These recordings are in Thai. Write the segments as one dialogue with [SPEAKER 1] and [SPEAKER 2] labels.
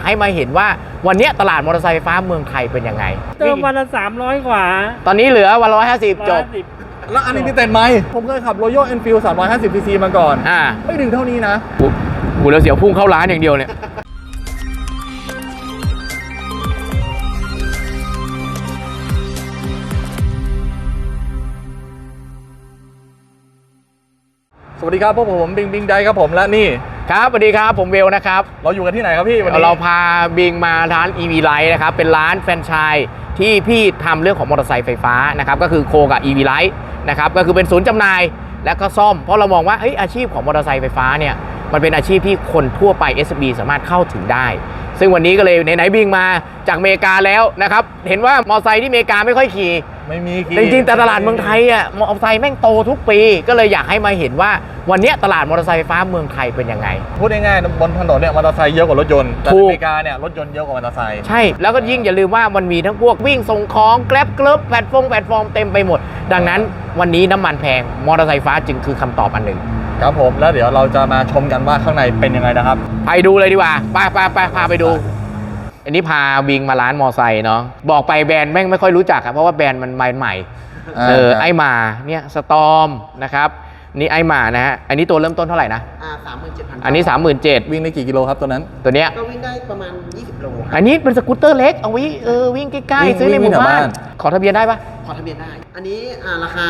[SPEAKER 1] ให้มาเห็นว่าวันนี้ตลาดมอเตอร์ไซค์ไฟฟ้าเมืองไทยเป็นยังไง
[SPEAKER 2] เติมวันละ300 กว่า
[SPEAKER 1] ตอนนี้เหลือวัน150จบ
[SPEAKER 3] แล้วอันนี้มีเต็มไหมผมเคยขับ Royal Enfield 350cc มาก่อนไม่ถึงเท่านี้นะ
[SPEAKER 1] กูแล้วเสียวพุ่งเข้าร้านอย่างเดียวเนี่ย
[SPEAKER 3] สวัสดีครับพวกผมบิงไดครับผมและนี่
[SPEAKER 1] ครับสวัสดีครับผมเวลนะครับ
[SPEAKER 3] เราอยู่กันที่ไหนครับพี่วันนี้
[SPEAKER 1] เราพาบิงมาร้าน EV Light นะครับเป็นร้านแฟรนไชส์ที่พี่ทำเรื่องของมอเตอร์ไซค์ไฟฟ้านะครับก็คือโคกับ EV Light นะครับก็คือเป็นศูนย์จำหน่ายและก็ซ่อมเพราะเรามองว่าอาชีพของมอเตอร์ไซค์ไฟฟ้าเนี่ยมันเป็นอาชีพที่คนทั่วไป SMB สามารถเข้าถึงได้ซึ่งวันนี้ก็เลยไหนบิงมาจากอเมริกาแล้วนะครับเห็นว่ามอเตอร์ไซค์ที่อเมริกาไม่ค่อยขี่
[SPEAKER 3] ไม่มี
[SPEAKER 1] จริงๆแต่ตลาดเมืองไทยมอเตอร์ไซค์แม่งโตทุกปีก็เลยอยากให้มาเห็นว่าวันนี้ตลาดมอเตอร์ไซค์ไฟฟ้าเมืองไทยเป็นยังไง
[SPEAKER 3] พูดง่ายๆบนถนนเนี่ยมอเตอร์ไซค์เยอะกว่ารถยนต์แต่อเมริกาเนี่ยรถยนต์เยอะกว่ามอเตอร์ไซค์
[SPEAKER 1] ใช่แล้วก็ยิ่งอย่าลืมว่ามันมีทั้งพวกวิ่งส่งของแกร็บเกิร์บแพลตฟอร์มเต็มไปหมดดังนั้นวันนี้น้ำมันแพงมอเตอร์ไซค์ไฟฟ้าจึงคือคำตอบอันหนึ่ง
[SPEAKER 3] ครับผมแล้วเดี๋ยวเราจะมาชมกันว่าข้างในเป็นยังไงนะครับ
[SPEAKER 1] ไปดูเลยดีกว่าพาไปดูอันนี้พาบิงมาร้านมอไซค์เนาะบอกไปแบรนด์แม่งไม่ค่อยรู้จักเพราะว่าแบรนด์มันใหม่ไอมาเนี่ยสตอมนะครับนี่ไอมานะฮะอันนี้ตัวเริ่มต้นเท่าไหร่นะ
[SPEAKER 2] 37,000
[SPEAKER 1] อันนี้ 37,000
[SPEAKER 3] วิ่งได้กี่กิโลครับตัวนั้น
[SPEAKER 1] ตัวเนี้ย
[SPEAKER 2] ก็วิ่งได้ประมาณ20 โล
[SPEAKER 1] อันนี้เป็นสกูตเตอร์เล็กเอาไว้วิ่งใกล้ๆซื้อในหมู่บ้านขอทะเบียนได้ปะ
[SPEAKER 2] ขอทะเบียนได้อันนี้ราคา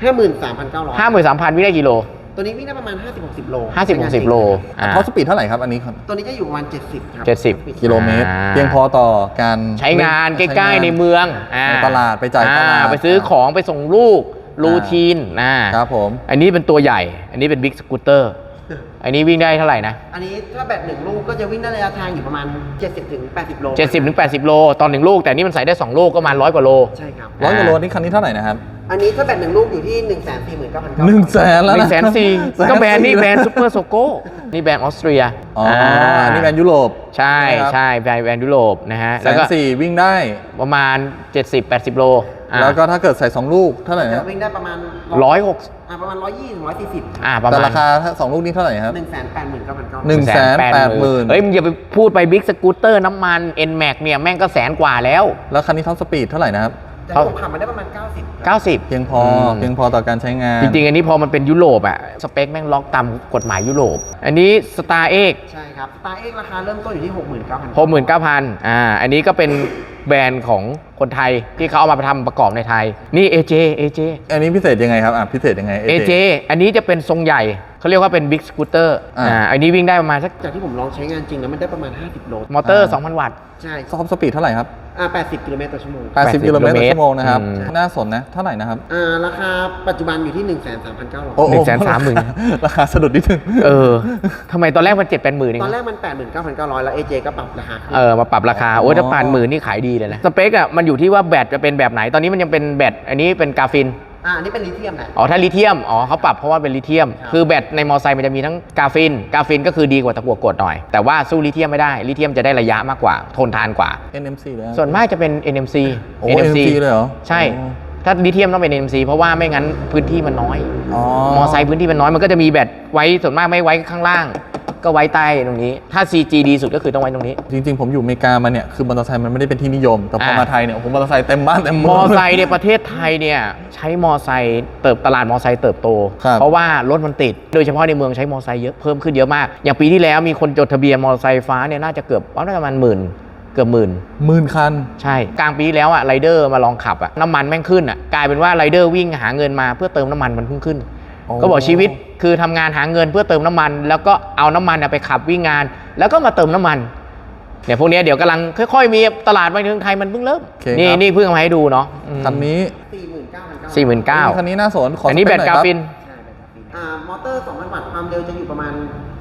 [SPEAKER 2] 53,900
[SPEAKER 1] 53,000 วิ่งได้กี่โล
[SPEAKER 2] ตัวนี้วิ่งได้ประมาณ 50-60 โล
[SPEAKER 1] 50-60 โล
[SPEAKER 3] ท็อปสปีดเท่าไหร่ครับอันนี้ครับ
[SPEAKER 2] ตัวนี้จะอยู่ประมาณ70ครับ
[SPEAKER 1] 70
[SPEAKER 3] กิโลเมตรเพียงพอต่อการ
[SPEAKER 1] ใช้งานใกล้ๆในเมือง
[SPEAKER 3] ในตลาดไปจ่ายตลาด
[SPEAKER 1] ไปซื้อของไปส่งลูกรูทีน
[SPEAKER 3] ครับผม
[SPEAKER 1] อันนี้เป็นตัวใหญ่อันนี้เป็นบิ๊กสกูตเตอร์อันนี้วิ่งได้เท่าไหร่นะ
[SPEAKER 2] อันนี้ถ้าแบต1 ลูกก็จะวิ่งได้ระยะทางอยู่ประมาณ 70-80 โล
[SPEAKER 1] 70-80 โลตอน1 ลูกแต่นี่มันใส่ได้2 ลูกก็ประมาณ100 กว่าโล
[SPEAKER 2] ใช่ครับ
[SPEAKER 3] 100 กว่าโลนี่คันนี้เท่าไหร่นะครับ
[SPEAKER 2] อันนี้ถ้าแบต1 ลูกอยู่ที่ 149,900
[SPEAKER 3] 100,000แล้วนะ
[SPEAKER 1] 140,000ก็แบรนด์นี่แบรนด์ซูเปอร์โซโก้นี่แบรนด์ออสเตรีย
[SPEAKER 3] อันนี้แบรนด์ยุโรป
[SPEAKER 1] ใช่แบรนด์ยุโรปนะฮะ
[SPEAKER 3] แล้วก็140,000วิ่งได้
[SPEAKER 1] ประมาณ70-80 โล
[SPEAKER 3] แล้วก็ถ้าเกิดใส่2 ลูกเท่าไหร่นะ
[SPEAKER 2] วิ่งได้ประมาณ
[SPEAKER 1] 160
[SPEAKER 2] ประมาณ120-140
[SPEAKER 3] แต่ราคา2 ลูกนี้เท่าไหร่ครับ
[SPEAKER 2] 189,900
[SPEAKER 1] เฮ้ยมึงอย่าไปพูดไปบิ๊กสกูตเตอร์น้ำมัน NMAX เนี่ยแม่งก็100,000 กว่าแล้ว
[SPEAKER 3] คันนี้ท็อปสปีดเท่าไหร่นะครับ
[SPEAKER 2] แต่ผมขับมาได้ประมาณ90
[SPEAKER 1] เพี
[SPEAKER 3] ยงพอต่อการใช้งาน
[SPEAKER 1] จริงๆอันนี้พอมันเป็นยุโรปสเปคแม่งล็อกตามกฎหมายยุโรปอันนี้ Star X
[SPEAKER 2] ใช่ครับ Star X ราคาเริ่มต้นอยู่ที่
[SPEAKER 1] 69,000 อันนี้ก็เป็นแบรนด์ของคนไทยที่เขาเอามาทำประกอบในไทยนี่ AJ
[SPEAKER 3] อันนี้พิเศษยังไงครับพิเศษยังไง
[SPEAKER 1] AJ อันนี้จะเป็นทรงใหญ่เขาเรียกว่าเป็นบิ๊กสกูตเตอร์อันนี้วิ่งได้ประมาณสัก
[SPEAKER 2] จากที่ผมลองใช้งานจริงแล้วมันได้ประมาณ50 โล
[SPEAKER 1] มอเตอร์ 2,000 วัตต์
[SPEAKER 2] ใช่
[SPEAKER 3] ท็อปสปีดเท่าไหร่ครับ
[SPEAKER 2] 80 กิโลเมตรต่อชั่วโมง
[SPEAKER 3] 80 กิโลเมตรต่อชั่วโมงนะครับน่าสนนะเท่าไหร่นะครับ
[SPEAKER 2] ราคาปัจจุบันอยู่ที่ 130,900
[SPEAKER 1] 130,000
[SPEAKER 3] ราคาสะดุดนิดนึง
[SPEAKER 1] ทำไมตอนแรกมัน7-80,000
[SPEAKER 2] ตอนแรกมัน 89,900 แล้ว AJ ก็ปรับราคา
[SPEAKER 1] มาปรับราคาถ้า80,000นี่ขายดีเลยนะสเปคมันอยู่ที่ว่าแบตจะเป็นแบบไหนตอนนี้มันยังเป็นแบตอันนี้เป็นกราฟิน
[SPEAKER 2] อันนี้เป็นลิเธียมนะ
[SPEAKER 1] ถ้าลิเธียมเขาปรับเพราะว่าเป็นลิเธียมคือแบตในมอไซค์มันจะมีทั้งกราฟินก็คือดีกว่าตะกั่วกดหน่อยแต่ว่าสู้ลิเธียมไม่ได้ลิเธียมจะได้ระยะมากกว่าทนทานกว่า
[SPEAKER 3] NMC เลย
[SPEAKER 1] ส่วนมากจะเป็น NMC
[SPEAKER 3] NMC เลยเหรอ
[SPEAKER 1] ใช่ถ้าลิเธียมต้องเป็น NMC เพราะว่าไม่งั้นพื้นที่มันน้อยมอไซค์พื้นที่มันน้อยมันก็จะมีแบตไว้ส่วนมากไม่ไว้ข้างล่างก็ไว้ใต้ตรงนี้ถ้า CG ดีสุดก็คือต้องไว้ตรงนี้
[SPEAKER 3] จริงๆผมอยู่อเมริกามาเนี่ยคือมอเตอร์ไซค์มันไม่ได้เป็นที่นิยมแต่พอมาไทยเนี่ยผมมอเตอร์ไซค์เต็มบ้านเต็มเมือง
[SPEAKER 1] มอไซค์ในประเทศไทยเนี่ยใช้มอไซค์ตลาดมอไซค์เติบโตเพราะว่ารถมันติดโดยเฉพาะในเมืองใช้มอไซค์เยอะเพิ่มขึ้นเยอะมากอย่างปีที่แล้วมีคนจดทะเบียนมอเตอร์ไซค์ฟ้าเนี่ยน่าจะเกือบประมาณเกือบหมื่น
[SPEAKER 3] คัน
[SPEAKER 1] ใช่กลางปีที่แล้วไรเดอร์มาลองขับน้ำมันแม่งขึ้นกลายเป็นว่าไรเดอร์วิ่งหาเงินมาเพื่อเติมน้ำมันมันขึ้นก็บอกชีวิตคือทำงานหาเงินเพื่อเติมน้ำมันแล้วก็เอาน้ำมันไปขับวิ่งงานแล้วก็มาเติมน้ำมันเนี่ยพวกนี้เดี๋ยวกำลังค่อยๆมีตลาดในเมืองไทยมันเพิ่งเริ่มนี่เพิ่งมาให้ดูเนาะ
[SPEAKER 3] คันนี้
[SPEAKER 1] 49,000
[SPEAKER 3] คันนี้น่าสน
[SPEAKER 1] อันนี้แบตกราฟิน
[SPEAKER 2] มอเตอร์ 2,000 วัตต์ความเร็วจะอยู่ประมาณ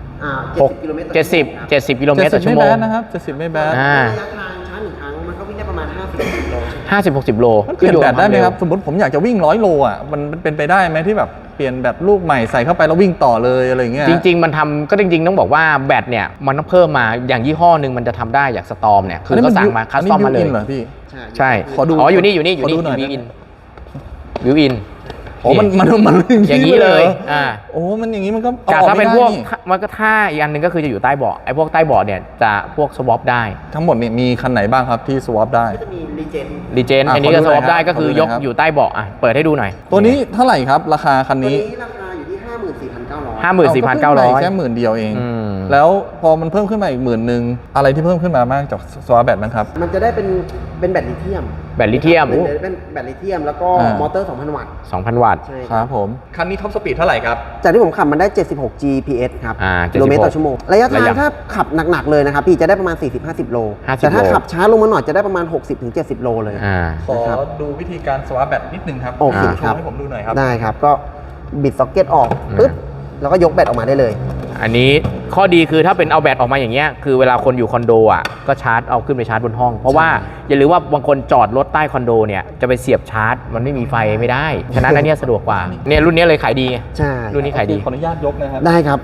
[SPEAKER 2] 70 กิโลเมตรต่อ
[SPEAKER 1] ชั่วโมง
[SPEAKER 3] นะครับ70ไม่แบด
[SPEAKER 2] ระยะทางชาร์จ1 ครั้งมันก็วิ่งได้ประมาณ
[SPEAKER 1] 50-60 โล
[SPEAKER 3] เปลี่ยนแบตได้ไหมครับสมมติผมอยากจะวิ่ง100 โลมันเป็นไปได้ไหมที่แบบเปลี่ยนแบตลูกใหม่ใส่เข้าไปแล้ววิ่งต่อเลยอะไรเงี้ย
[SPEAKER 1] จริงๆมันทำก็จริงๆต้องบอกว่าแบตเนี่ยมันต้องเพิ่มมาอย่างยี่ห้อหนึ่งมันจะทำได้อย่างสตอมเนี่ยคือเขาสั่งมาคัสตอมมาเลย
[SPEAKER 3] เหรอพี่
[SPEAKER 1] ใช่
[SPEAKER 3] ขอดู
[SPEAKER 1] อยู่นี่วิวอิน
[SPEAKER 3] โอ้มัน
[SPEAKER 1] อย่างนี้เลย
[SPEAKER 3] หรอ
[SPEAKER 1] อ่า
[SPEAKER 3] โอ้มันอย่างนี้มันก็
[SPEAKER 1] แต่ถ้าเป็น
[SPEAKER 3] อ
[SPEAKER 1] พ
[SPEAKER 3] อ
[SPEAKER 1] วก
[SPEAKER 3] ไม่ได้
[SPEAKER 1] มันก็ท่าอีกอันหนึ่งก็คือจะอยู่ใต้เบาะไอ้พวกใต้เบาะเนี่ยจะพวกสวอปได้
[SPEAKER 3] ทั้งหมดเนี่ยมีคันไหนบ้างครับที่สวอปได้
[SPEAKER 2] ก็จะมีรีเจน
[SPEAKER 1] รีเจน
[SPEAKER 3] อ่ะ
[SPEAKER 1] อันนี้ก็
[SPEAKER 3] ขอ
[SPEAKER 1] ส
[SPEAKER 3] ดูหน่
[SPEAKER 1] ว
[SPEAKER 3] อ
[SPEAKER 1] อย ปได้
[SPEAKER 3] ครับ
[SPEAKER 1] ก็คือ
[SPEAKER 3] ขอดูหน่
[SPEAKER 1] ย
[SPEAKER 3] อย
[SPEAKER 1] ก
[SPEAKER 3] ครับ
[SPEAKER 1] อยู่ใต้เบาะอ่ะเปิดให้ดูหน่อย
[SPEAKER 3] ตัวนี้เท่าไหร่ครับราคาคัน
[SPEAKER 2] ตัว
[SPEAKER 3] นี้
[SPEAKER 2] นี้ราคาอยู่ที่ 54,900
[SPEAKER 1] 54,900
[SPEAKER 3] แค่10,000 เดียวเอง
[SPEAKER 1] อืม
[SPEAKER 3] แล้วพอมันเพิ่มขึ้นมาอีก10,000อะไรที่เพิ่มขึ้นมาบ้างจากสวาแบตบ้างครับ
[SPEAKER 2] มันจะได้เป็นแบตลิเธียม
[SPEAKER 1] แบตลิเธียม
[SPEAKER 2] เป็นแบตลิเธียมแล้วก็
[SPEAKER 3] อ่าม
[SPEAKER 2] มอเตอร์ 2,000 วัตต์
[SPEAKER 1] 2,000 วัตต์
[SPEAKER 2] ใช่
[SPEAKER 3] ครับผมคันนี้ท็อปสปีดเท่าไหร่ครับ
[SPEAKER 2] จากที่ผมขับมันได้ 76 GPS ครับ
[SPEAKER 1] อ่า
[SPEAKER 2] กิโลเมตรต่อ
[SPEAKER 1] 76
[SPEAKER 2] ชั่วโมง ระยะทา
[SPEAKER 1] ระ
[SPEAKER 2] ง
[SPEAKER 1] ยะ
[SPEAKER 2] ถ้าขับหนักๆเลยนะครับพี่จะได้ประมาณ 40-50 โล
[SPEAKER 1] 50
[SPEAKER 2] แต่ถ้า
[SPEAKER 1] โล
[SPEAKER 2] ขับช้าลงมาหน่อยจะได้ประมาณ 60-70 โลเลย
[SPEAKER 1] อ่า
[SPEAKER 3] ขอดูวิธีการสวาแบตนิดนึงครับ
[SPEAKER 2] โอเค
[SPEAKER 3] โช
[SPEAKER 2] ครับ
[SPEAKER 3] ว์ให้ผมดูหน่อยครับ
[SPEAKER 2] ได้ครับ ก็บิดซ็อกเก็ตออกปึ๊บแล้วก็ยกแบตออกมาได้เลย
[SPEAKER 1] อันนี้ข้อดีคือถ้าเป็นเอาแบตออกมาอย่างเงี้ยคือเวลาคนอยู่คอนโดอ่ะก็ชาร์จเอาขึ้นไปชาร์จบนห้อง เพราะว่าอย่าลืมว่าบางคนจอดรถใต้คอนโดเนี่ยจะไปเสียบชาร์จมันไม่มีไฟไม่ได้ ฉะนั้นอันเนี้ยสะดวกกว่าเนี่ยรุ่นเนี้ยเลยขายดีไง
[SPEAKER 2] ใช่
[SPEAKER 1] รุ่นนี้ขายดี
[SPEAKER 3] ขออนุญาตยกนะครับ
[SPEAKER 2] ได้ครับ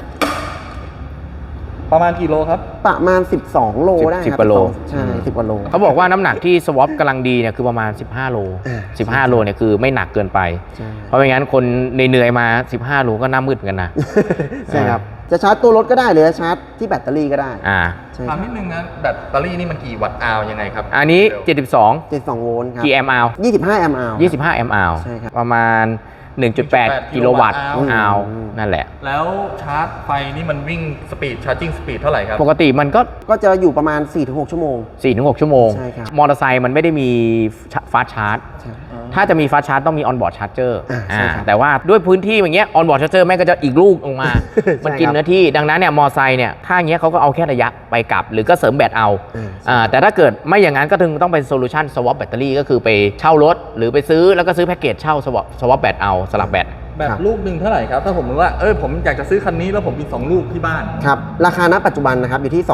[SPEAKER 3] ประมาณกี่โลครับ
[SPEAKER 2] ประมาณ 12 โลได้ครับ
[SPEAKER 1] 10กว่าโล
[SPEAKER 2] ใช่10 กว่าโล
[SPEAKER 1] เขาบอกว่าน้ำหนักที่สวอปกำลังดีเนี่ยคือประมาณ 15 โล
[SPEAKER 2] อ่า
[SPEAKER 1] 15 โลเนี่ยคือไม่หนักเกินไป
[SPEAKER 2] ใช่
[SPEAKER 1] เพราะไม่งั้นคนเหนื่อยๆมา 15 โลก็หน้ามืดเหมือนกันนะ
[SPEAKER 2] ใช่ครับ จะชาร์จตัวรถก็ได้หรือจะชาร์จที่แบตเตอรี่ก็ได้
[SPEAKER 1] อ่า
[SPEAKER 2] ใช่
[SPEAKER 3] ถามนิดนึงนะแบตเตอรี่นี่มันกี่วัตต์อาวยังไงครับ
[SPEAKER 1] อันนี้ 72
[SPEAKER 2] 72 โวลต์ครับ
[SPEAKER 1] กี่แอมป์อาว
[SPEAKER 2] 25 แอมป์อาว
[SPEAKER 1] 25 แอมป์อาว
[SPEAKER 2] ใช่ครับ
[SPEAKER 1] ประมาณ 1.8 กิโลวัตต์
[SPEAKER 3] กิโลวัตต์
[SPEAKER 1] อาว
[SPEAKER 2] อืม
[SPEAKER 1] นั่นแหละ
[SPEAKER 3] แล้วชาร์จไฟนี่มันวิ่งสปีดชาร์จิ่งสปีดเท่าไหร่ครับ
[SPEAKER 1] ปกติมันก็
[SPEAKER 2] ก็จะอยู่ประมาณ 4-6 ชั่วโมง
[SPEAKER 1] 4-6 ชั่วโมง
[SPEAKER 2] ใช่ครับ
[SPEAKER 1] มอเตอร์ไซค์มันไม่ได้มีฟาสต์ชาร์จ
[SPEAKER 2] ใช่
[SPEAKER 1] ถ้าจะมีฟาสต์ชาร์จต้องมีออนบอร์ดชาร์จเจอร์
[SPEAKER 2] ใช่ครับ
[SPEAKER 1] แต่ว่าด้วยพื้นที่อย่างเงี้ยออนบอร์ดชาร์จเจอร์แม่งก็จะอีกลูกออกมา มันกินเนื้อที่ดังนั้นเนี่ยมอไซค์เนี่ยถ้าอย่างเงี้ยเขาก็เอาแค่ระยะไปกลับ หรือก็เสริมแบตเอาแต่ถ้าเกิดไม่อย่างนั้นก็ถึงต้องเป็นโซลูชันสวอปแบตเตอรี่ก็คือไปเช่ารถ หรือไปซื้อแล้วก็ซื้อแพ็กเกจเช่าสวอปแบตเอาสลับแบต
[SPEAKER 3] แบบลูกหนึ่งเท่าไหร่ครับ ถ้าผมรู้ว่าผมอยากจะซื้อคันนี้แล้วผมมี2ลูกที่บ้าน
[SPEAKER 2] ครับ ราคาณปัจจุบันนะครับ อยู่ที่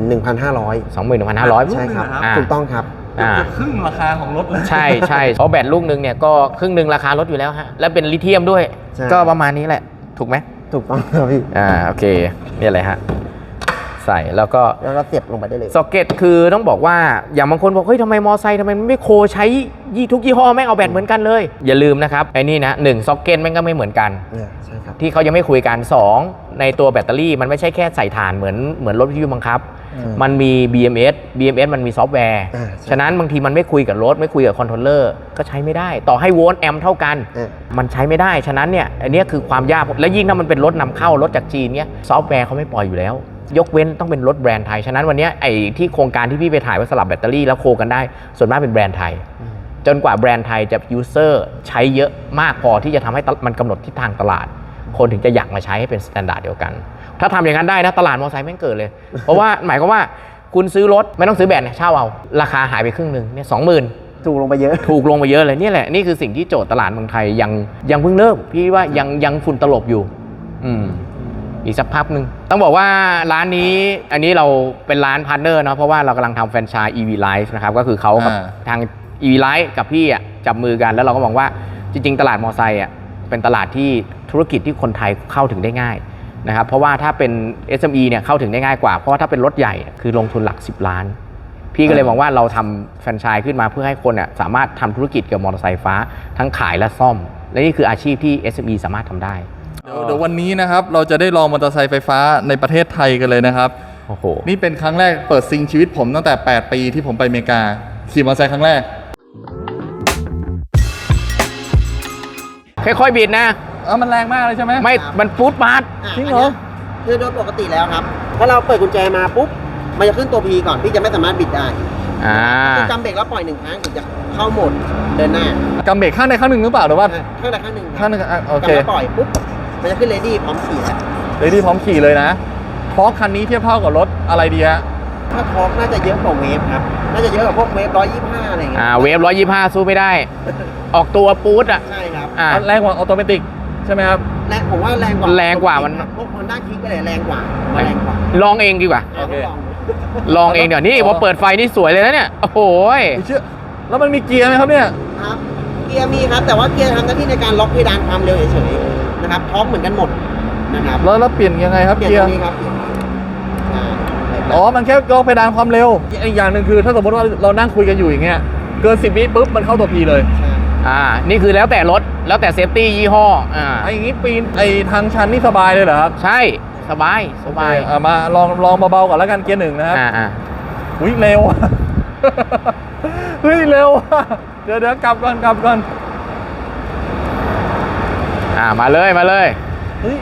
[SPEAKER 2] 21,500
[SPEAKER 1] 21,500
[SPEAKER 2] ใช่ครับ
[SPEAKER 3] อ่า
[SPEAKER 2] ถูกต้องครับ
[SPEAKER 3] เกือบจะครึ่งราคาของรถเลย
[SPEAKER 1] ใช่ใช่เพราะแบตลูกนึงเนี่ยก็ครึ่งหนึ่งราคารถอยู่แล้วฮะแล้วเป็นลิเธียมด้วย
[SPEAKER 2] ใช่
[SPEAKER 1] ก็ประมาณนี้แหละถูกไหม
[SPEAKER 2] ถูกต้องครับพี่
[SPEAKER 1] โอเคนี่อะไรฮะใส่แล้วก็
[SPEAKER 2] แล้วก็เสียบลงไปได้เลย
[SPEAKER 1] ซ็อกเก็ตคือต้องบอกว่าอย่างบางคนบอกเฮ้ยทำไมมอไซค์ทำไมมันไม่โคใช้ทุกยี่ห้อแม่งเอาแบตเหมือนกันเลย อย่าลืมนะครับไอ้นี่นะ1ซ็อกเก็ตแม่งก็ไม่เหมือนกัน
[SPEAKER 2] ใช่ครับ
[SPEAKER 1] ที่เขายังไม่คุยกัน 2 ในตัวแบตเตอรี่มันไม่ใช่แค่ใส่ถ่านเหมือนรถวิทยุบังคับ มันมี BMS มันมีซอฟต์แวร์
[SPEAKER 2] อ่าใช่
[SPEAKER 1] ฉะนั้นบางทีมันไม่คุยกับรถไม่คุยกับคอนโทรลเลอร์ก็ใช้ไม่ได้ ต่อให้โวลต์แอมป์เท่ากัน มันใช้ไม่ได้ ฉะนั้นเนี่ยอันเนี้ยคือความยากและยิ่งถ้ามันเป็นรถนำเข้ารถจากจีนเนี่ยซอฟต์แวร์เขาไม่ปล่อยอยู่แล้ว ยกเว้นต้องเป็นรถแบรนด์ไทย ฉะนั้นวันเนี้ยไอ้ที่โครงการที่พี่ไปถ่ายว่าสลับแบตเตอรี่แล้วโคกันได้ส่วนมากเป็นแบรนด์ไทย จนกว่าแบรนด์ไทยจะยูเซอร์ใช้เยอะมากพอที่จะทำให้มันกำหนดทิศทางตลาด คนถึงจะอยากมาใช้ให้เป็นสแตนดาร์ดเดียวกัน ถ้าทำอย่างนั้นได้นะตลาดมอเตอร์ไซค์แม่งเกิดเลย เพราะว่าหมายความว่าคุณซื้อรถไม่ต้องซื้อแบตเนี่ยเช่าเอาราคาหายไปครึ่งหนึ่งเนี่ย20,000
[SPEAKER 2] ถูกลงไปเยอะ
[SPEAKER 1] ถูกลงไปเยอะเลยนี่แหละนี่คือสิ่งที่โจทย์ตลาดเมืองไทยยังเพิ่งเริ่มพี่ว่ายังฝุ่นตลบอยู่อีกสักพักหนึ่งต้องบอกว่าร้านนี้อันนี้เราเป็นร้านพาร์ทเนอร์เนาะเพราะว่าเรากำลังทำแฟรนไชส์ EV Life นะครับก็คือเขากับทาง EV Life กับพี่อ่ะจับมือกันแล้วเราก็มองว่าจริงๆตลาดมอไซค์อ่ะเป็นตลาดที่ธุรกิจที่คนไทยเข้าถึงได้ง่ายนะครับเพราะว่าถ้าเป็น SME เนี่ยเข้าถึงได้ง่ายกว่าเพราะว่าถ้าเป็นรถใหญ่คือลงทุนหลัก10 ล้านพี่ก็เลยมองว่าเราทำแฟรนไชส์ขึ้นมาเพื่อให้คนสามารถทำธุรกิจเกี่ยวกับมอเตอร์ไซค์ฟ้าทั้งขายและซ่อมและนี่คืออาชีพที่ SME สามารถทำได้
[SPEAKER 3] เดี๋ยววันนี้นะครับเราจะได้ลองมอเตอร์ไซค์ไฟฟ้าในประเทศไทยกันเลยนะครับ
[SPEAKER 1] โอ้โห
[SPEAKER 3] นี่เป็นครั้งแรกเปิดซิงชีวิตผมตั้งแต่8 ปีที่ผมไปอเมริกาขี่มอเตอร์ไซค์ครั้งแรก
[SPEAKER 1] ค่อยๆบิดนะ
[SPEAKER 3] มันแรงมากเลยใช่ไหม
[SPEAKER 1] ไม่มันฟูดบาร์
[SPEAKER 3] จริงเหรอ
[SPEAKER 2] คือโดยปกติแล้วครับ ถ้าเราเปิดกุญแจมาปุ๊บ มันจะขึ้นตัว P ก่อน พี่จะไม่สามารถบิดได้คือกำเบรกแล้วปล่อย1 ครั้งถึงจะเข้าโหมดเดินหน้าก
[SPEAKER 3] ำเบรกข้างใดข้างหนึ่งหรือเปล่าหรือว่า
[SPEAKER 2] ข้างใดข้างหนึ่ง
[SPEAKER 3] ข้างหนึ่งโอเค
[SPEAKER 2] กำแล้วปล่อยปุ๊บ มันจะขึ้น ready พร้อมขี่แล้ว
[SPEAKER 3] เลยที่พร้อมขี่เลยนะเพราะคันนี้เทียบเท่ากับรถอะไรดีฮะ
[SPEAKER 2] ถ้าทอร์กน่าจะเยอะกว่าเวฟครับ น่าจะเยอะกว่าพวกเวฟ125อะไรอย่างเงี้ย
[SPEAKER 1] เวฟ125สู้ไม่ได้ ออกตัวปู๊ดอ่ะ
[SPEAKER 2] ใช่ครับ
[SPEAKER 3] แรงกว่าออโตเมติกใช่ไหมครับ
[SPEAKER 2] ผมว่าแรงกว่า
[SPEAKER 1] แรงกว่ามัน
[SPEAKER 2] พวก Honda Kick ก็เลยแรงกว่าแรงกว่า
[SPEAKER 1] ลองเองดีกว่า
[SPEAKER 3] โอเค
[SPEAKER 2] ลองดู
[SPEAKER 1] ลองเองเดี๋ยวนี่พอเปิดไฟนี่สวยเลยนะเนี่ยโอ้โห
[SPEAKER 3] ไม่เชื่อแล้วมันมีเกียร์ไหมครับเนี่ย
[SPEAKER 2] ครับเกียร์มีครับแต่ว่าเกียร์ทำหน้าที่ในการล็อกเพดานความเร็วเฉยๆนะครับพร้อมเหมือนกันหมดนะครับ
[SPEAKER 3] แล้วเปลี่ยนยังไงครับ
[SPEAKER 2] เกีย
[SPEAKER 3] เกีย
[SPEAKER 2] ร์
[SPEAKER 3] ร์
[SPEAKER 2] ตรงนี้ครับอ่า
[SPEAKER 3] อ๋อมันแค่ล็อกเพดานความเร็วอีกอย่างหนึ่งคือถ้าสมมติว่าเรานั่งคุยกันอยู่อย่างเงี้ยเกิน10 วิปุ๊บมันเข้าตัว P เลย
[SPEAKER 2] ใช่
[SPEAKER 1] นี่คือแล้วแต่รถแล้วแต่เซฟตี้ยี่ห้อ
[SPEAKER 3] ไอ้อย่างนี้ปีนไอ้ทางชันนี่สบายเลยเหรอครับ
[SPEAKER 1] ใช่สบายสบาย
[SPEAKER 3] มาลองเบาๆก่อนแล้วกันเกียร์หนึ่งนะครับอุ้ยเร็ว เฮ้ยเร็ว เดี๋ยวกลับก่อน
[SPEAKER 1] มาเลย
[SPEAKER 3] เฮ้ย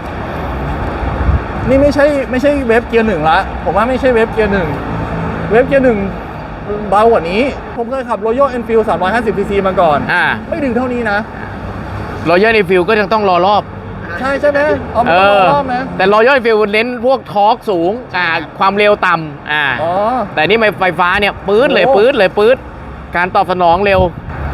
[SPEAKER 3] นี่ไม่ใช่เวฟเกียร์หนึ่งละผมว่าไม่ใช่เวฟเกียร์หนึ่งเวฟเกียร์หนึ่งเบากว่านี้ผมเคยขับ Royal Enfield 350cc มาก่อนไม่ถึงเท่านี้นะ
[SPEAKER 1] Royal Enfield ก็ยังต้องรอรอบ
[SPEAKER 3] ใช่ไหมมันต้องรอรอบนะ
[SPEAKER 1] แต่ Royal Enfield เน้นพวกทอร์กสูงความเร็วต่ำแต่นี่ไฟฟ้าเนี่ยปื๊ดเลยการตอบสนองเร็ว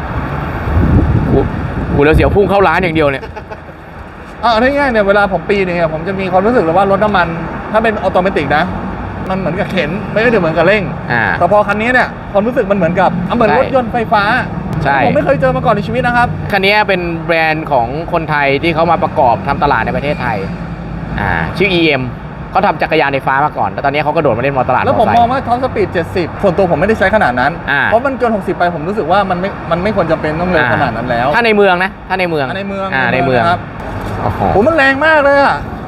[SPEAKER 1] กูแล้วเสียวพุ่งเข้าร้านอย่างเดียวเนี่ย
[SPEAKER 3] ง่ายๆเนี่ยเวลาผมปีเนี่ยผมจะมีความรู้สึกเลยว่ารถน้ำมันถ้าเป็นออโตเมติกนะมันเหมือนกับเข็นไม่ได้เหมือนกับเร่งแต่พอคันนี้เนี่ยความรู้สึกมันเหมือนกับเหมือนรถยนต์ไฟฟ้าผมไม่เคยเจอมาก่อนในชีวิตนะครับ
[SPEAKER 1] คันนี้เป็นแบรนด์ของคนไทยที่เขามาประกอบทำตลาดในประเทศไทยชื่อ EM เขาทำจักรยานไฟฟ้ามาก่อนแต่ตอนนี้เขาก็โดดมาเล่นมอเตอร์ตลาด
[SPEAKER 3] แล้วผมมองว่าท็อปสปีด70ส่วนตัวผมไม่ได้ใช้ขนาดนั้นเพราะมันเกิน60ไปผมรู้สึกว่ามันไม่ควรจะเป็นต้องเร็วขนาดนั้นแล้ว
[SPEAKER 1] ถ้าในเมืองนะถ้าในเมือง
[SPEAKER 3] ครับผมมันแรงมากเลย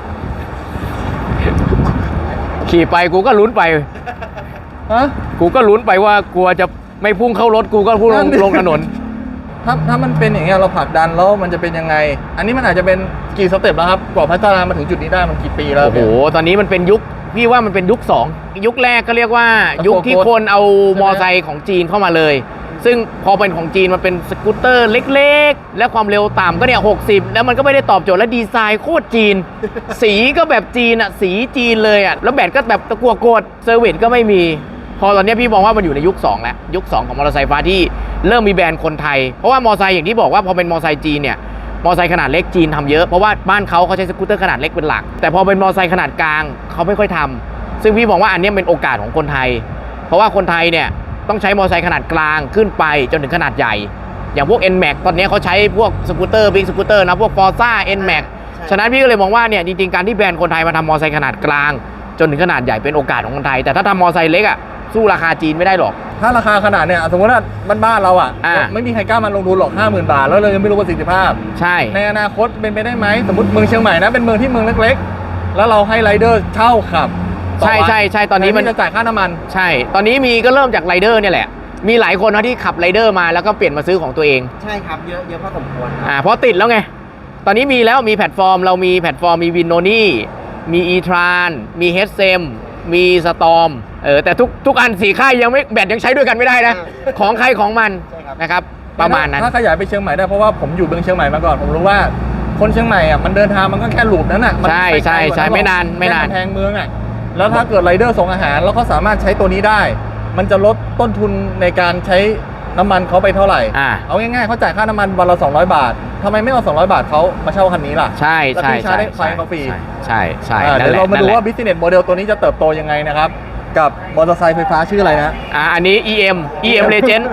[SPEAKER 1] ขี่ไปกูก็ลุ้นไปกูก็ลุ้นไปว่ากลัวจะไม่พุ่งเข้ารถกูก็พุ่งลงถนน
[SPEAKER 3] ถ้ามันเป็นอย่างเงี้ยเราผลักดันแล้วมันจะเป็นยังไงอันนี้มันอาจจะเป็นกี่สเต็ปแล้วครับกว่าพัฒนามาถึงจุดนี้ได้มันกี่ปีแล้ว
[SPEAKER 1] โอ้โหตอนนี้มันเป็นยุคพี่ว่ามันเป็นยุค2ยุคแรกก็เรียกว่ายุคที่คนเอามอไซค์ของจีนเข้ามาเลยซึ่งพอเป็นของจีนมันเป็นสกูตเตอร์เล็กๆและความเร็วต่ำก็เนี่ย60แล้วมันก็ไม่ได้ตอบโจทย์และดีไซน์โคตรจีน สีก็แบบจีนสีจีนเลยแล้วแบตก็แบบตะกั่วโกดเซอร์วิสก็ไม่มีพอตอนนี้พี่มองว่ามันอยู่ในยุค2แล้วยุค2ของมอเตอร์ไซค์ฟ้าที่เริ่มมีแบรนด์คนไทยเพราะว่ามอเตอร์ไซค์อย่างที่บอกว่าพอเป็นมอเตอร์ไซค์จีนเนี่ยมอเตอร์ไซค์ขนาดเล็กจีนทำเยอะเพราะว่าบ้านเขาใช้สกูตเตอร์ขนาดเล็กเป็นหลักแต่พอเป็นมอเตอร์ไซค์ขนาดกลางเขาไม่ค่อยทำซึ่งพี่มองว่าอันนี้เป็นโอกาสของคนไทยเพราะว่าคนไทยเนี่ยต้องใช้มอเตอร์ไซค์ขนาดกลางขึ้นไปจนถึงขนาดใหญ่อย่างพวก NMAX ตอนนี้เขาใช้พวกสกูตเตอร์บิ๊กสกูตเตอร์นะพวก Forza NMAX ฉะนั้นพี่ก็เลยมองว่าเนี่ยจริงๆการที่แบรนด์คนไทยมาทำมอเตอร์ไซค์ขนาดกลางจนถึงขนาดใหญ่เป็นโอกาสของคนไทยแต่ถ้าทำมอเตอร์ไซค์เล็กสู้ราคาจีนไม่ได้หรอก
[SPEAKER 3] ถ้าราคาขนาดเนี่ยสมมติว่าบ้านเราไม่มีใครกล้ามาลงทุนหรอก 50,000 บาทแล้วเรายังไม่รู้ประสิทธิภาพ
[SPEAKER 1] ใช่
[SPEAKER 3] ในอนาคตเป็นไปได้ไหมสมมติเมืองเชียงใหม่นะเป็นเมืองที่เมืองเล็กๆแล้วเราให้ไรเดอร์เช่าขับ
[SPEAKER 1] ใช่ตอนนี้
[SPEAKER 3] มันจะจ่ายค่าน้ำมัน
[SPEAKER 1] ใช่ตอนนี้มีก็เริ่มจากไรเดอร์เนี่ยแหละมีหลายคนนะที่ขับไรเดอร์มาแล้วก็เปลี่ยนมาซื้อของตัวเอง
[SPEAKER 2] ใช่ครับเยอะพอสมควร
[SPEAKER 1] เพราะติดแล้วไงตอนนี้มีแล้วมีแพลตฟอร์มเรามีแพลตฟอร์มมีวินโนนี่มีอีทรานมีเฮดเซมมีสตอมแต่ทุกอัน4ค่ายยังไม่แบตยังใช้ด้วยกันไม่ได้นะของใครของมันนะครับประมาณนั้น
[SPEAKER 3] ถ้าขยายไปเชียงใหม่ได้เพราะว่าผมอยู่เมืองเชียงใหม่มาก่อนผมรู้ว่าคนเชียงใหม่มันเดินทางมันก็แค่หลูปนั้น
[SPEAKER 1] ใช่ไม่นาน
[SPEAKER 3] แพงเมืองแล้วถ้าเกิดไรเดอร์ส่งอาหารแล้วเขาสามารถใช้ตัวนี้ได้มันจะลดต้นทุนในการใช้น้ำมันเขาไปเท่าไหร่เอาง่ายๆเขาจ่ายค่าน้ำมันวันละ200 บาททำไมไม่เอา200 บาทเขามาเช่าคันนี้ล่ะ
[SPEAKER 1] ใช่
[SPEAKER 3] ใช้ได้ไฟเขาฟรี
[SPEAKER 1] ใช่
[SPEAKER 3] เดี๋ยวเรามาดูว่า business model ตัวนี้จะเติบโตยังไงนะครับกับมอเตอร์ไซค์ไฟฟ้าชื่ออะไรนะ
[SPEAKER 1] อันนี้ EM Legend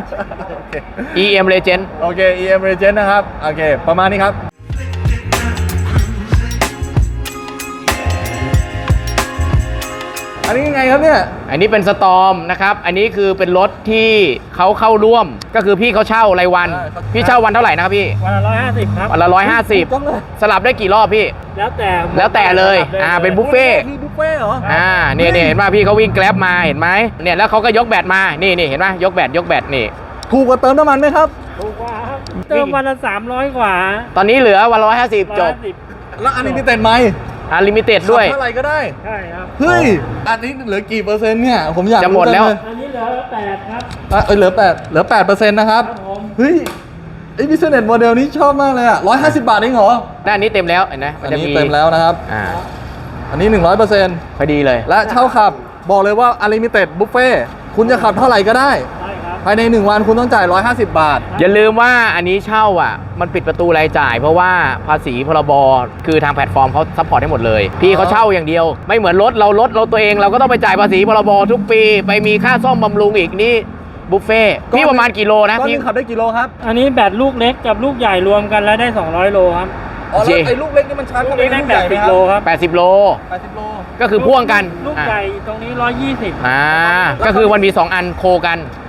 [SPEAKER 1] EM Legend
[SPEAKER 3] โอเค EM Legend นะครับโอเคประมาณนี้ครับอันนี้ยังไงครับเนี่ย
[SPEAKER 1] อันนี้เป็นสตอร์มนะครับอันนี้คือเป็นรถที่เขาเข้าร่วมก็คือพี่เขาเช่ารายวันพี่เช่าวันเท่าไหร่นะครับพี่
[SPEAKER 2] วันละ150ครับ
[SPEAKER 1] วันละ150สลับได้กี่รอบพี่
[SPEAKER 2] แล้ว
[SPEAKER 1] แต่เลยเป็นบุฟเฟ่
[SPEAKER 3] เหรอ
[SPEAKER 1] เนี่ยเห็นป่ะพี่เขาวิ่งแกร็บมาเห็นไหมเนี่ยแล้วเขาก็ยกแบตมานี่เห็นป่ะยกแบตนี่
[SPEAKER 3] ถูกกว่าเติมน้ำมันไหมครับ
[SPEAKER 2] ถูกกว่าครับเติมวันละ300กว่า
[SPEAKER 1] ตอนนี้เหลือวันละ150จบ
[SPEAKER 3] แล้วอันนี้มีเต็มไหม
[SPEAKER 1] ลิมิเต็ดด้วย
[SPEAKER 3] เท่าไหร่ก็ได้
[SPEAKER 2] ใช่ครับ
[SPEAKER 3] เฮ้ยอันนี้เหลือกี่เปอร์เซ็นต์เนี่ยผมอยาก
[SPEAKER 1] จะหมดแล้ว
[SPEAKER 2] อันนี้เหลือ8ครับ
[SPEAKER 3] เหลือ8%นะครับเฮ้ยไอ้ business model นี้ชอบมากเลย150 บาทเองเหรอ
[SPEAKER 1] ด้านนี้เต็มแล้วเห็นไหม
[SPEAKER 3] อันนี้เต็มแล้วนะครับอันนี้ 100%
[SPEAKER 1] พอดีเลย
[SPEAKER 3] และเช่าขับบอกเลยว่า unlimited buffet คุณจะขับเท่าไหร่ก็ได้ภายใน1วันคุณต้องจ่าย150 บาท
[SPEAKER 1] อย่าลืมว่าอันนี้เช่ามันปิดประตูรายจ่ายเพราะว่าภาษีพรบคือทางแพลตฟอร์มเขาซัพพอร์ตให้หมดเลยพี่เขาเช่าอย่างเดียวไม่เหมือนรถเราตัวเองเราก็ต้องไปจ่ายภาษีพรบทุกปีไปมีค่าซ่อมบำรุงอีกนี่บุฟเฟ่พี่ประมาณกี่โลนะ
[SPEAKER 3] พี่ขับได้กี่โลครับ
[SPEAKER 2] อันนี้แบตลูกเล็กกับลูกใหญ่รวมกันแล้วได้200 โลครับ
[SPEAKER 3] แล้วไอ้ลูกเล็กนี่มันชาร์จเข้าไปในลูกใหญ่ไหมครับ
[SPEAKER 2] 80 โลครับ
[SPEAKER 1] 80 โลก็คือพ่วงกัน
[SPEAKER 2] ลูกใหญ่ตรงนี้120
[SPEAKER 1] ก็คือมันมี2อันโคกัน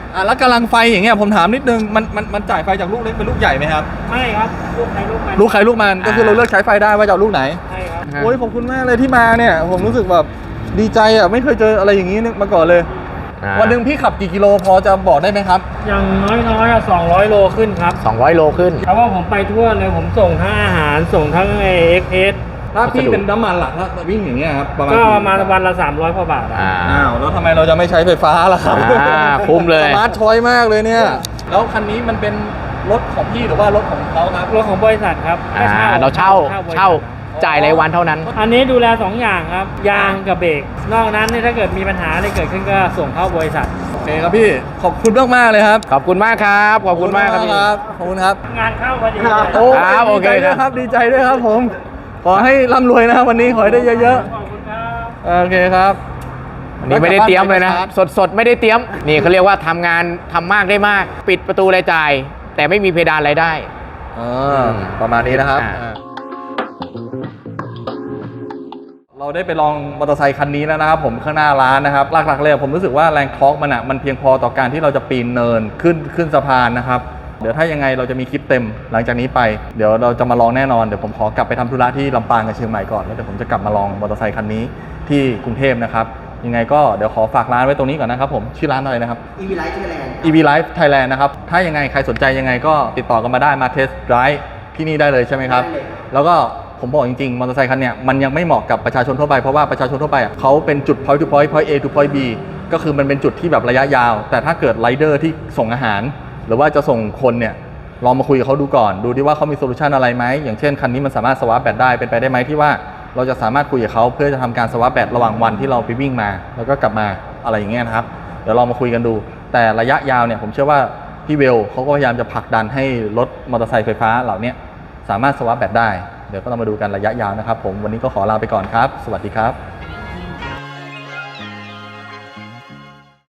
[SPEAKER 3] แล้วกำลังไฟอย่างเงี้ยผมถามนิดนึงมันจ่ายไฟจากลูกเล็กเป็นลูกใหญ่ไหมครับ
[SPEAKER 4] ไม่ครับลูกใครลูกมัน
[SPEAKER 3] ลูกใครลูกมันก็คือเราเลือกใช้ไฟได้ว่าจะเอาลูกไหน
[SPEAKER 4] ใช่ครับ
[SPEAKER 3] โอ้ยขอบคุณมากเลยที่มาเนี่ยผมรู้สึกแบบดีใจอ่ะไม่เคยเจออะไรอย่างนี้มาก่อนเลย วันหนึ่งพี่ขับกี่กิโลพอจะบอกได้ไหมครับ
[SPEAKER 4] อย่างน้อยๆ200 โลขึ้นครับ
[SPEAKER 1] 200 โลขึ้น
[SPEAKER 4] เพราะว่าผมไปทั่วเลยผมส่งทั้งอาหารส่งทั้งเอ็กเพส
[SPEAKER 3] ถ้าพี่เป็นน้ำมันหลักถ้าวิ่งอย่างเงี้ยครับประมาณ
[SPEAKER 4] ก็ประมาณวันละ300กว่าบาทอะ
[SPEAKER 3] อ้าวแล้วทำไมเราจะไม่ใช้ไฟฟ้าล่ะครับ
[SPEAKER 1] คุ้มเลย
[SPEAKER 3] สมาร์ทชอยมากเลยเนี่ยแล้วคันนี้มันเป็นรถของพี่หรือว่ารถของเขาครับ
[SPEAKER 4] รถของบริษัทครับก็
[SPEAKER 1] เราเช่า
[SPEAKER 4] บริษัท
[SPEAKER 1] เช่าจ่ายรายวันเท่านั้น
[SPEAKER 4] อันนี้ดูแล2อย่างครับยางกับเบรกนอกนั้นเนี่ยถ้าเกิดมีปัญหาอะไรเกิดขึ้นก็ส่งเข้าบริษัท
[SPEAKER 3] โอเคครับพี่ขอบคุณมากๆเลยครับ
[SPEAKER 1] ขอบคุณมากครับ ขอบคุณมากครับพี่
[SPEAKER 3] ขอบคุณครับ
[SPEAKER 4] งานเข้าพอดี
[SPEAKER 3] โอ้
[SPEAKER 1] ครับโอเค
[SPEAKER 3] ดีใจด้วย
[SPEAKER 1] ครับ
[SPEAKER 3] ดีใจด้วยครับผมขอให้ร่ำรวยนะครับวันนี้ขอให้ได้เยอะ
[SPEAKER 4] ขอบคุณครับ
[SPEAKER 3] ๆโอเคครับ
[SPEAKER 1] วันนี้ไม่ได้เตรียมเลยนะ สดไม่ได้เตรียม นี่เขาเรียกว่าทำงานทำมากได้มาก ปิดประตูรายจ่าย แต่ไม่มีเพดานรายได้
[SPEAKER 3] ประมาณนี้นะครับ
[SPEAKER 1] อ่า
[SPEAKER 3] เราได้ไปลองมอเตอร์ไซค์คันนี้แล้วนะครับผมข้างหน้าร้านนะครับหลักๆเลยผมรู้สึกว่าแรงทอร์กมันเพียงพอต่อการที่เราจะปีนเนินขึ้นสะพานนะครับเดี๋ยวถ้ายังไงเราจะมีคลิปเต็มหลังจากนี้ไปเดี๋ยวเราจะมาลองแน่นอนเดี๋ยวผมขอกลับไปทำธุระที่ลำปางกับเชียงใหม่ก่อนแล้วเดี๋ยวผมจะกลับมาลองมอเตอร์ไซค์คันนี้ที่กรุงเทพนะครับยังไงก็เดี๋ยวขอฝากร้านไว้ตรงนี้ก่อนนะครับผมชื่อร้านอะไรนะครับ
[SPEAKER 2] EV Light Thailand
[SPEAKER 3] EV Life Thailand นะครับถ้ายังไงใครสนใจยังไงก็ติดต่อกันมาได้มาเทสต์ไดรฟ์ที่นี่ได้เลยใช่ไหมครับ
[SPEAKER 2] ได้เลย
[SPEAKER 3] แล้วก็ผมบอกจริงๆมอเตอร์ไซค์คันเนี้ยมันยังไม่เหมาะกับประชาชนทั่วไปเพราะว่าประชาชนทั่วไปอ่ะเขาเป็นจุด point to point point A to point B ก็คือมันเป็นจุดที่แบบระยะยาว แต่ถ้าเกิดไรเดอร์ที่ส่งอาหาร หรือว่าจะส่งคนเนี่ยลองมาคุยกับเขาดูก่อนดูดิว่าเขามีโซลูชันอะไรไหมอย่างเช่นคันนี้มันสามารถสวาปแบตได้เป็นไปได้ไหมที่ว่าเราจะสามารถคุยกับเขาเพื่อจะทำการสวาปแบตระหว่างวันที่เราไปวิ่งมาแล้วก็กลับมาอะไรอย่างเงี้ยนะครับเดี๋ยวลองมาคุยกันดู แต่ระยะยาวเนี่ยผมเชื่อว่าพี่เวลเขาก็พยายามจะผลักดันให้รถมอเตอร์ไซค์ไฟฟ้าเหล่านี้สามารถสวาปแบตได้เดี๋ยวก็ต้องมาดูกันระยะยาวนะครับผมวันนี้ก็ขอลาไปก่อนครับสวัสดีครับ